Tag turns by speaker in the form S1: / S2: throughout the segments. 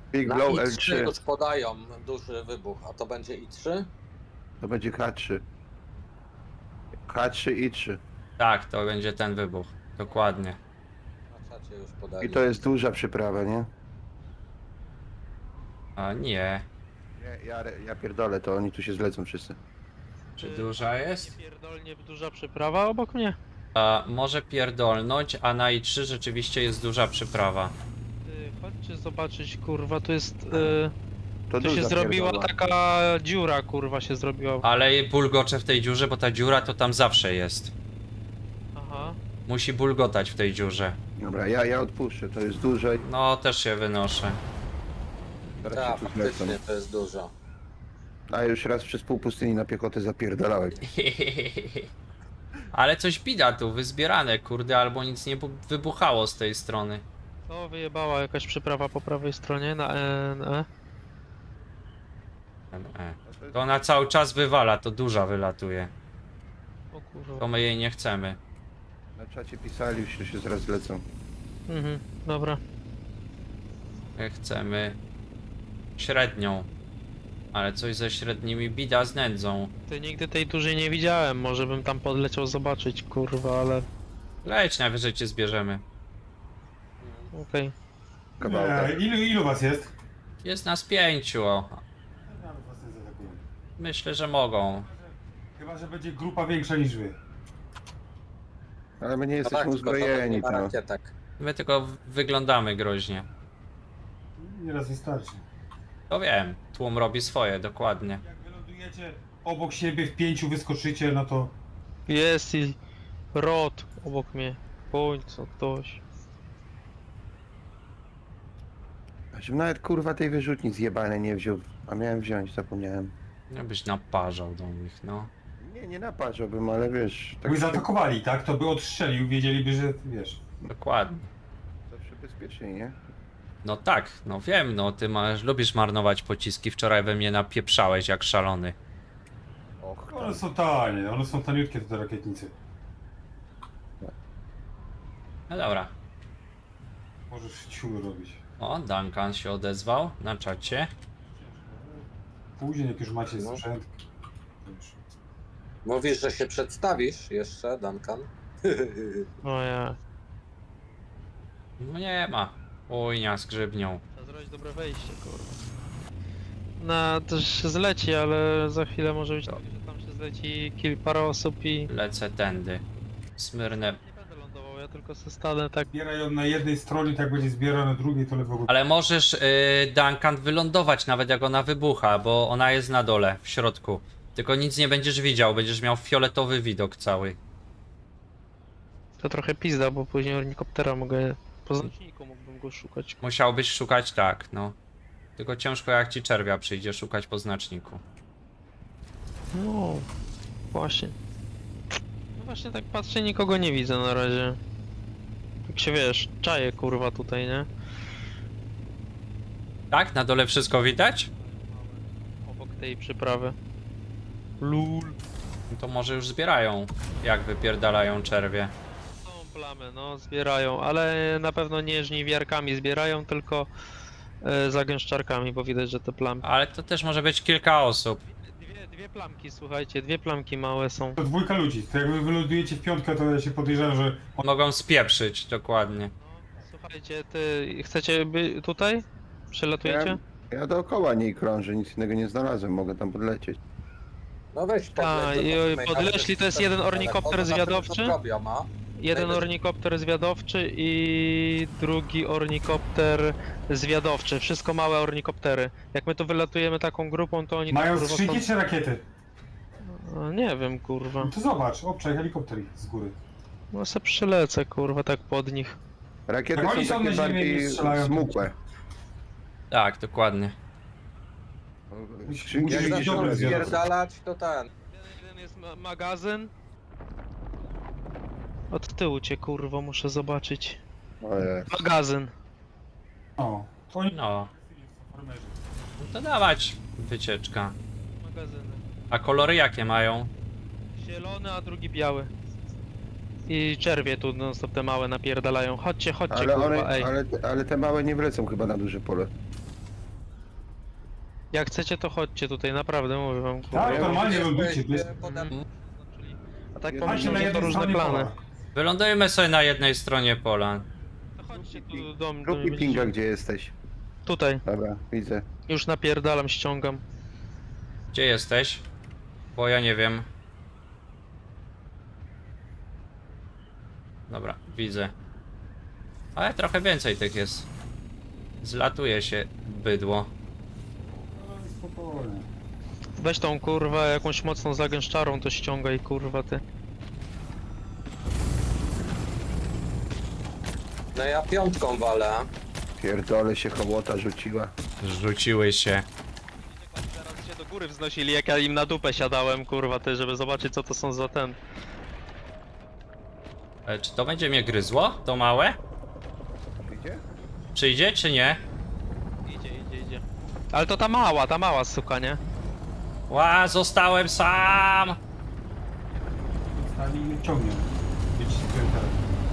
S1: Big
S2: Na
S1: Blow
S2: I3
S1: L3.
S2: już podają duży wybuch, a to będzie I3?
S1: To będzie H3. H3 i 3.
S3: Tak, to będzie ten wybuch. Dokładnie.
S2: Na czacie już
S1: I
S2: podali.
S1: to jest duża przyprawa, nie?
S3: A nie.
S1: Ja pierdolę, to oni tu się zlecą wszyscy.
S3: Czy duża jest?
S4: Pierdolnie duża przyprawa obok mnie.
S3: A, może pierdolnąć, a na I3 rzeczywiście jest duża przyprawa.
S4: Chodźcie zobaczyć, kurwa, tu jest...
S1: To
S4: tu się
S1: duża
S4: zrobiła
S1: pierdoła.
S4: taka dziura, kurwa, się zrobiła.
S3: Ale bulgocze w tej dziurze, bo ta dziura to tam zawsze jest.
S4: Aha.
S3: Musi bulgotać w tej dziurze.
S1: Dobra, ja odpuszczę, to jest duże.
S3: No, też się wynoszę.
S1: Teraz
S2: Tak,
S1: się tu zlecą.
S2: faktycznie to jest dużo.
S1: A już raz przez pół pustyni na piechotę zapierdalałem.
S3: Ale coś bida tu, wyzbierane, kurde, albo nic nie wybuchało z tej strony.
S4: To wyjebała jakaś przyprawa po prawej stronie na E.
S3: To ona cały czas wywala, to duża wylatuje.
S4: O
S3: To
S4: kurwa.
S3: my jej nie chcemy.
S1: Na czacie pisali, już się zaraz zlecą.
S4: Mhm, dobra.
S3: My chcemy średnią. Ale coś ze średnimi bida z nędzą.
S4: Ty nigdy tej dużej nie widziałem, może bym tam podleciał zobaczyć, kurwa, ale...
S3: Leć, najwyżej cię zbierzemy.
S4: Okej.
S1: Kawałek.
S5: Ilu was jest?
S3: Jest nas 5. O.
S5: Nawet was nie zaatakują.
S3: Myślę, że mogą.
S5: Chyba, że będzie grupa większa niż wy.
S1: Ale my nie
S2: No
S1: jesteśmy
S2: tak, tylko to nie
S1: uzbrojeni,
S2: ma
S1: no.
S2: rakietek.
S3: My tylko wyglądamy groźnie.
S5: Nieraz wystarczy.
S3: To wiem, tłum robi swoje, dokładnie.
S5: Jak wylądujecie obok siebie w 5 wyskoczycie, no to...
S4: Jest i... Rot obok mnie. Bądź co ktoś.
S1: Żebym nawet kurwa tej wyrzutni zjebane nie wziął. A miałem wziąć, zapomniałem.
S3: Jakbyś naparzał do nich, no.
S1: Nie naparzałbym, ale wiesz...
S5: By zaatakowali, tak? To by odstrzelił, wiedzieliby, że wiesz...
S3: Dokładnie.
S1: Zawsze bezpieczniej, nie?
S3: No tak, no wiem, no ty lubisz marnować pociski. Wczoraj we mnie napieprzałeś jak szalony.
S1: Och,
S5: One są tanie, one są taniutkie te rakietnice.
S3: No dobra.
S5: Możesz ciul robić.
S3: O, Duncan się odezwał na czacie.
S5: Później, jak już macie
S2: No.
S5: sprzęt... to już...
S2: Mówisz, że się przedstawisz jeszcze, Duncan?
S4: No ja.
S3: No nie ma. Ujnia z grzybnią.
S4: Trzeba zrobić dobre wejście, kurwa. No, to się zleci, ale za chwilę może być tak, że tam się zleci parę osób i...
S3: Lecę tędy. Smyrnę.
S4: Nie będę lądował, ja tylko se stanę tak...
S5: Zbierają na jednej stronie, tak będzie zbierał na drugiej, to lewo...
S3: Ale możesz, Duncan, wylądować nawet jak ona wybucha, bo ona jest na dole, w środku. Tylko nic nie będziesz widział, będziesz miał fioletowy widok cały.
S4: To trochę pizda, bo później ornikoptera mogę... Po znaczniku mógłbym go szukać.
S3: Musiałbyś szukać tak, no. Tylko ciężko jak ci czerwia przyjdzie szukać po znaczniku.
S4: No, właśnie. No właśnie tak patrzę, nikogo nie widzę na razie. Jak się wiesz, czaję kurwa tutaj, nie?
S3: Tak? Na dole wszystko widać?
S4: Obok tej przyprawy. Lul.
S3: No to może już zbierają, jak wypierdalają czerwie.
S4: Są plamy, no, zbierają, ale na pewno nie żniwiarkami zbierają, tylko zagęszczarkami, bo widać, że te plamki...
S3: Ale to też może być kilka osób.
S4: Dwie plamki, słuchajcie, dwie plamki małe są.
S5: To dwójka ludzi, to jak wy wylądujecie w piątkę, to ja się podejrzewam, że...
S3: Mogą spieprzyć, dokładnie.
S4: No, słuchajcie, ty chcecie tutaj? Przelatujecie?
S1: Ja dookoła niej krążę, nic innego nie znalazłem, mogę tam podlecieć.
S2: No weź
S4: Tak, i podleśli, to jest jeden ornikopter zwiadowczy. Jeden ornikopter zwiadowczy i drugi ornikopter zwiadowczy. Wszystko małe ornikoptery. Jak my tu wylatujemy taką grupą, to oni
S5: Mają
S4: tam, kurwa,
S5: skrzynki czy rakiety?
S4: Nie wiem, kurwa.
S5: No to zobacz, obczaj helikopter z góry.
S4: No se przylecę, kurwa, tak pod nich.
S1: Rakiety
S5: Jak oni
S1: są
S5: są
S1: takie
S5: na ziemi,
S1: bardziej
S5: nie strzelają, to-
S1: smukłe.
S3: Tak, dokładnie.
S1: Skrzynki
S5: Musisz
S1: jakieś
S5: być dobry
S1: są
S5: zwiadowca.
S2: Spierdalać to ten.
S4: Jeden jest magazyn. Od tyłu cię, kurwo, muszę zobaczyć.
S1: Ojej.
S4: Magazyn.
S5: O, to oni...
S3: No,
S5: farmerzy.
S3: no to dawać wycieczka.
S4: Magazyny.
S3: A kolory jakie mają?
S4: Zielony, a drugi biały. I czerwie tu non stop te małe napierdalają. Chodźcie,
S1: Ale,
S4: kurwa,
S1: one,
S4: ej.
S1: ale te małe nie wlecą chyba na duże pole.
S4: Jak chcecie, to chodźcie tutaj, naprawdę mówię wam, kurwa.
S5: Tak, normalnie lądujcie.
S4: A tak to
S5: Chodźcie na
S4: myślę, że to
S5: jednej
S4: różne
S5: stronie
S4: plany.
S5: pola.
S3: Wylądujemy sobie na jednej stronie pola.
S4: To chodźcie tu do mnie,
S1: Rób mi pinga, gdzie jesteś.
S4: Tutaj,
S1: Dobra, widzę.
S4: już napierdalam, ściągam.
S3: Gdzie jesteś? Bo ja nie wiem. Dobra, widzę. Ale trochę więcej tych jest. Zlatuje się bydło.
S5: Spokojnie.
S4: Weź tą kurwa jakąś mocną zagęszczarą, to ściągaj kurwa ty.
S2: No ja piątką walę.
S1: Pierdolę się hołota rzuciła.
S3: Rzuciły się.
S4: Zaraz się do góry wznosili, jak ja im na dupę siadałem kurwa ty, żeby zobaczyć co to są za ten.
S3: Czy to będzie mnie gryzło? To małe?
S1: Idzie?
S3: Przyjdzie czy nie?
S4: Idzie. Ale to ta mała suka, nie?
S3: Ła, zostałem sam!
S5: Stali i mnie ciągnie. Jedźcie pierdolę.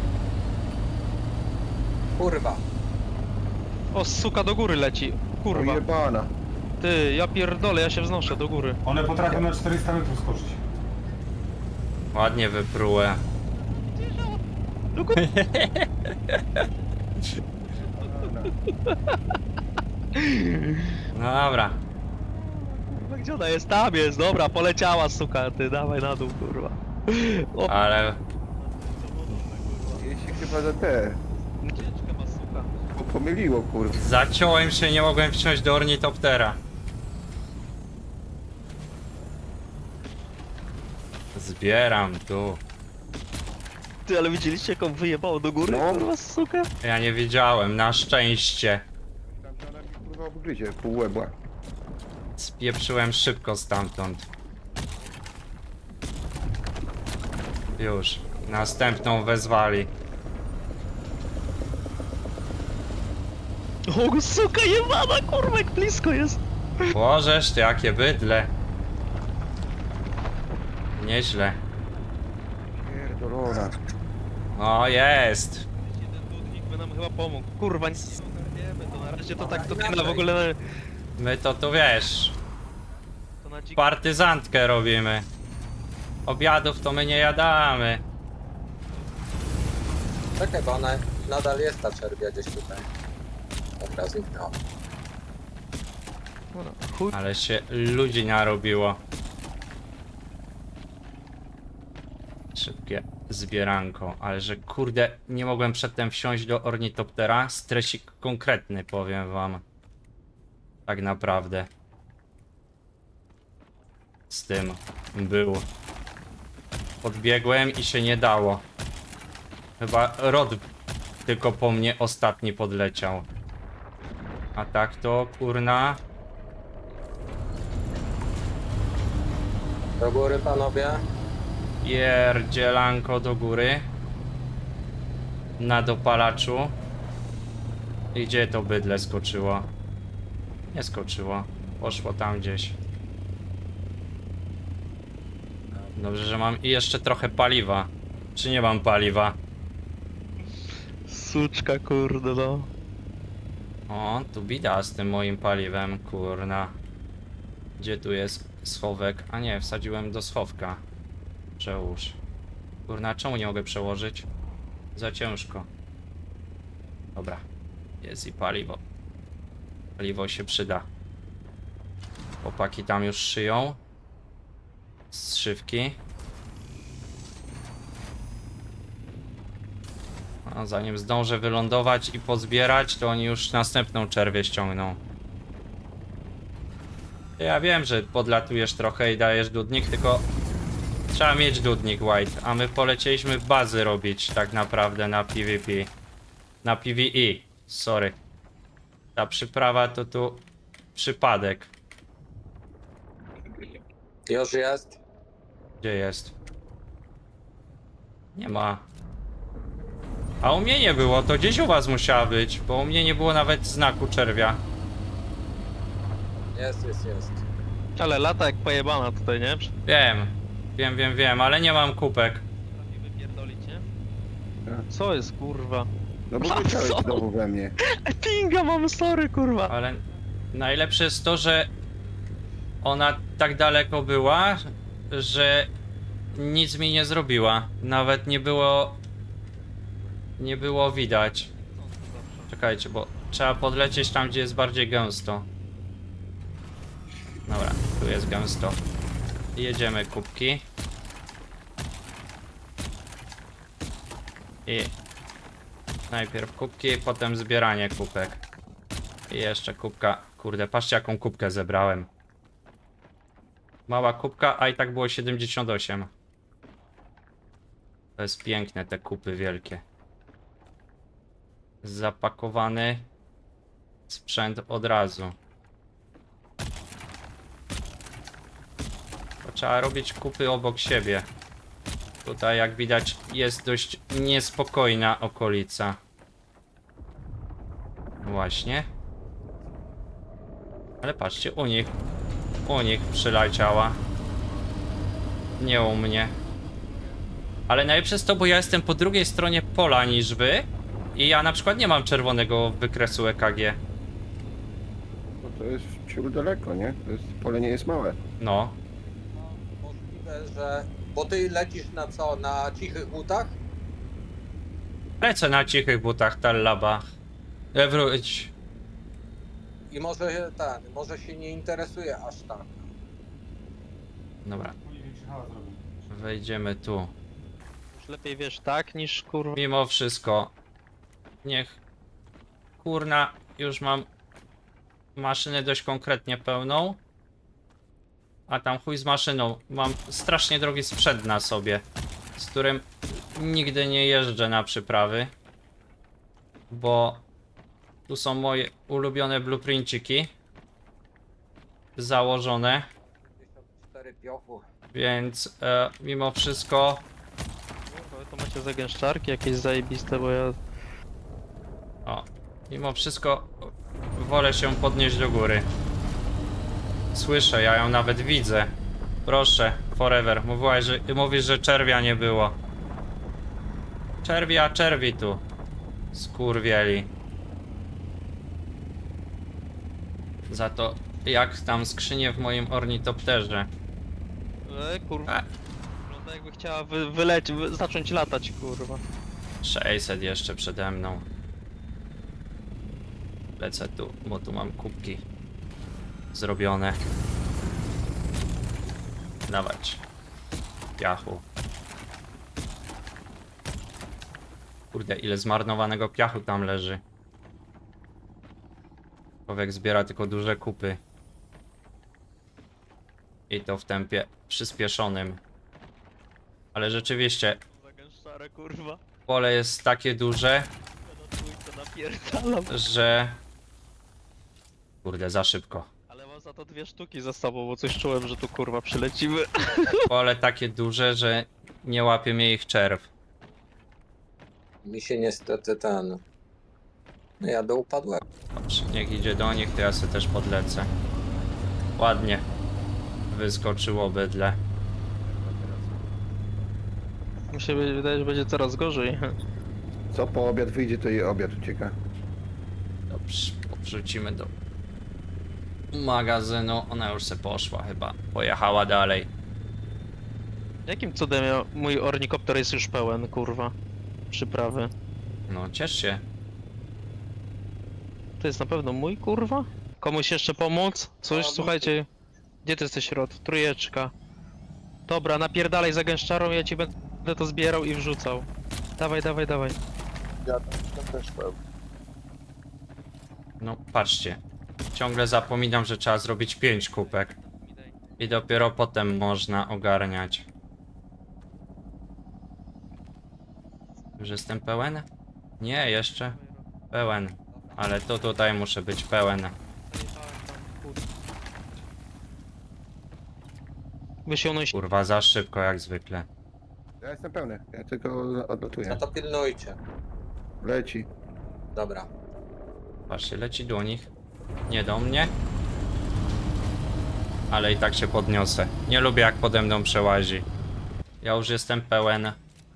S2: Kurwa.
S4: O, suka do góry leci. Kurwa.
S1: Ojebana.
S4: Ty, ja pierdolę, ja się wznoszę do góry.
S5: One potrafią na 400 metrów skoczyć.
S3: Ładnie wyprułem.
S4: Do góry.
S3: No dobra.
S4: Kurwa, gdzie ona jest? Tam jest, dobra, poleciała suka, ty, dawaj na dół, kurwa. O,
S3: Ale
S1: Jej się chyba za te.
S4: ucieczkę ma suka.
S1: Pomyliło, kurwa.
S3: zaciąłem się i nie mogłem wsiąść do ornitoptera. Zbieram tu.
S4: Ty, ale widzieliście jak on wyjebało do góry,
S1: No.
S4: kurwa, suka?
S3: Ja nie wiedziałem, na szczęście.
S1: Tam że ona mi kurwa obgryzie, pół łebła.
S3: Spieprzyłem szybko stamtąd. Już. Następną wezwali.
S4: O, suka jebana, kurwa, jak blisko jest.
S3: Bożeż, ty, jakie bydle. Nieźle.
S1: Pierdolona.
S3: O, jest.
S4: Jeden dudnik by nam chyba pomógł. Kurwa, nic nie ogarniemy, to na razie to tak, to ty na w ogóle
S3: My to tu wiesz,
S4: to na dzik...
S3: partyzantkę robimy. Obiadów to my nie jadamy.
S2: Czekaj, bo ona nadal jest ta czerwia gdzieś tutaj. Dobra, zniknęła.
S4: Chuj.
S3: Ale się ludzi narobiło. Szybkie zbieranko, ale że kurde, nie mogłem przedtem wsiąść do ornitoptera. Stresik konkretny, powiem wam. Tak naprawdę. Z tym był. Podbiegłem i się nie dało. Chyba Rod tylko po mnie ostatni podleciał. A tak to kurna.
S2: Do góry, panowie.
S3: Pierdzielanko do góry. Na dopalaczu. I gdzie to bydle skoczyło? Nie skoczyło. Poszło tam gdzieś. Dobrze, że mam i jeszcze trochę paliwa. Czy nie mam paliwa?
S4: Suczka, kurde, no.
S3: O, tu bida z tym moim paliwem, kurna. Gdzie tu jest schowek? A nie, wsadziłem do schowka. Przełóż. Kurna, czemu nie mogę przełożyć? Za ciężko. Dobra. Jest i paliwo. Paliwo się przyda. Chłopaki tam już szyją. Zszywki. A zanim zdążę wylądować i pozbierać, to oni już następną czerwię ściągną. Ja wiem, że podlatujesz trochę i dajesz dudnik, tylko trzeba mieć dudnik, White, a my polecieliśmy bazy robić tak naprawdę na PvP. Na PvE, sorry. Ta przyprawa to tu przypadek.
S2: Już jest.
S3: Gdzie jest? Nie ma. A u mnie nie było, to gdzieś u was musiała być, bo u mnie nie było nawet znaku czerwia.
S2: Jest.
S4: Ale lata jak pojebana tutaj, nie?
S3: Wiem, ale nie mam kupek.
S4: Potrafi wypierdolić, nie?
S1: Tak.
S4: Co jest, kurwa?
S1: No bo
S4: A
S1: leciałeś
S4: co?
S1: znowu we mnie.
S4: Pinga mam, sorry, kurwa.
S3: Ale najlepsze jest to, że ona tak daleko była, że nic mi nie zrobiła. Nawet nie było widać. Czekajcie, bo trzeba podlecieć tam, gdzie jest bardziej gęsto. Dobra, tu jest gęsto. Jedziemy kubki. I najpierw kubki, potem zbieranie kubek. I jeszcze kubka. Kurde, patrzcie jaką kubkę zebrałem. Mała kubka, a i tak było 78. To jest piękne, te kupy wielkie. Zapakowany sprzęt od razu. To trzeba robić kupy obok siebie. Tutaj jak widać jest dość niespokojna okolica. Właśnie. Ale patrzcie, u nich przyleciała. Nie u mnie. Ale najlepsze jest to, bo ja jestem po drugiej stronie pola niż wy. I ja na przykład nie mam czerwonego wykresu EKG.
S1: Bo to jest ciul daleko, nie? To jest, pole nie jest małe.
S3: No.
S2: Możliwe, że... Bo ty lecisz na co? Na cichych butach?
S3: Lecę na cichych butach, tallaba. Wróć.
S2: I może się nie interesuje aż tak.
S3: Dobra,
S5: Oni większy hałas robią.
S3: wejdziemy tu.
S4: Już lepiej wiesz tak niż kurwa.
S3: Mimo wszystko, niech kurna, już mam maszynę dość konkretnie pełną. A tam chuj z maszyną. Mam strasznie drogi sprzęt na sobie, z którym nigdy nie jeżdżę na przyprawy. Bo tu są moje ulubione blueprinciki założone.
S2: 54 piochu.
S3: Więc mimo wszystko
S4: Kurwa, wy to macie zagęszczarki jakieś zajebiste, bo ja...
S3: mimo wszystko wolę się podnieść do góry. Słyszę, ja ją nawet widzę. Proszę, forever. Mówisz, że czerwia nie było. Czerwi tu. Skurwieli. Za to jak tam skrzynie w moim ornitopterze.
S4: Kurwa. Wygląda jakby chciała zacząć latać, kurwa.
S3: 600 jeszcze przede mną. Lecę tu, bo tu mam kubki zrobione. Dawać. Piachu. Kurde, ile zmarnowanego piachu tam leży. Człowiek zbiera tylko duże kupy. I to w tempie przyspieszonym. Ale rzeczywiście,
S4: Zagęszczarę, kurwa.
S3: pole jest takie duże,
S4: Ja na trójkę napierdalam.
S3: że... Kurde, za szybko.
S4: Ale mam za to 2 sztuki za sobą, bo coś czułem, że tu kurwa przylecimy.
S3: Pole takie duże, że nie łapie mnie ich czerw.
S2: Mi się niestety No ja do upadłem.
S3: Dobrze, niech idzie do nich, to ja sobie też podlecę. Ładnie. Wyskoczyło bydle.
S4: Mi się wydaje, że będzie coraz gorzej.
S1: Co po obiad wyjdzie, to jej obiad ucieka.
S3: Dobrze, wrzucimy do magazynu. Ona już se poszła chyba. Pojechała dalej.
S4: Jakim cudem mój ornikopter jest już pełen, kurwa? Przyprawy.
S3: No, ciesz się.
S4: To jest na pewno mój, kurwa? Komuś jeszcze pomóc? Coś, słuchajcie. Gdzie ty jesteś, Rod? Trójeczka. Dobra, napierdalaj za gęszczarą, ja ci będę to zbierał i wrzucał. Dawaj, dawaj, dawaj.
S1: Ja tam też pełny.
S3: No, patrzcie. Ciągle zapominam, że trzeba zrobić 5 kubek. I dopiero potem można ogarniać. Już jestem pełen? Nie, jeszcze. Pełen. Ale to tutaj muszę być pełen.
S4: Wysiągnąć.
S3: Kurwa, za szybko jak zwykle.
S1: Ja jestem pełny, ja tylko odlatuję.
S2: No to pilnujcie.
S1: Leci.
S2: Dobra.
S3: Patrzcie, leci do nich. Nie do mnie. Ale i tak się podniosę. Nie lubię jak pode mną przełazi. Ja już jestem pełen.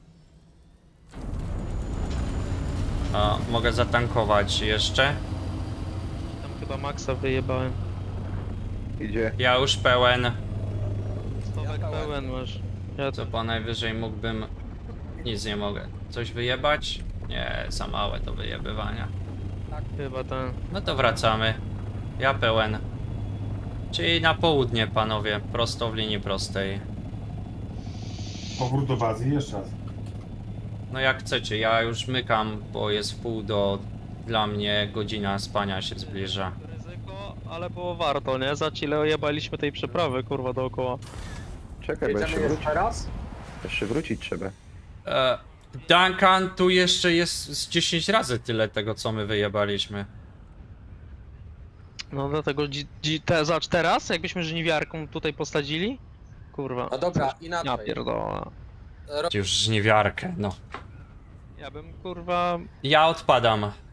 S3: A, mogę zatankować jeszcze.
S4: Tam chyba maksa wyjebałem.
S1: Idzie.
S3: Ja już pełen.
S4: Stowek
S2: Ja
S4: pełen masz. Ja
S3: Co po najwyżej mógłbym... Nic nie mogę. Coś wyjebać? Nie, za małe do wyjebywania.
S4: chyba ten.
S3: No to wracamy. Ja pełen. Czyli na południe, panowie. Prosto w linii prostej.
S5: Powrót do bazy, jeszcze raz.
S3: No jak chcecie, ja już mykam, bo jest wpół do... Dla mnie godzina spania się zbliża.
S4: Ryzyko, ale było warto, nie? Za ile ojebaliśmy tej przeprawy, kurwa, dookoła.
S1: Czekaj, bo jeszcze
S2: Jedziemy
S1: wrócić.
S2: jeszcze raz?
S1: Jeszcze wrócić trzeba.
S3: Duncan, tu jeszcze jest z 10 razy tyle tego, co my wyjebaliśmy.
S4: No dlatego zacz teraz, jakbyśmy żniwiarką tutaj posadzili? Kurwa.
S2: No dobra,
S4: Ja
S2: inaczej.
S4: pierdolę.
S3: Już żniwiarkę, no.
S4: Ja bym, kurwa,
S3: Ja odpadam.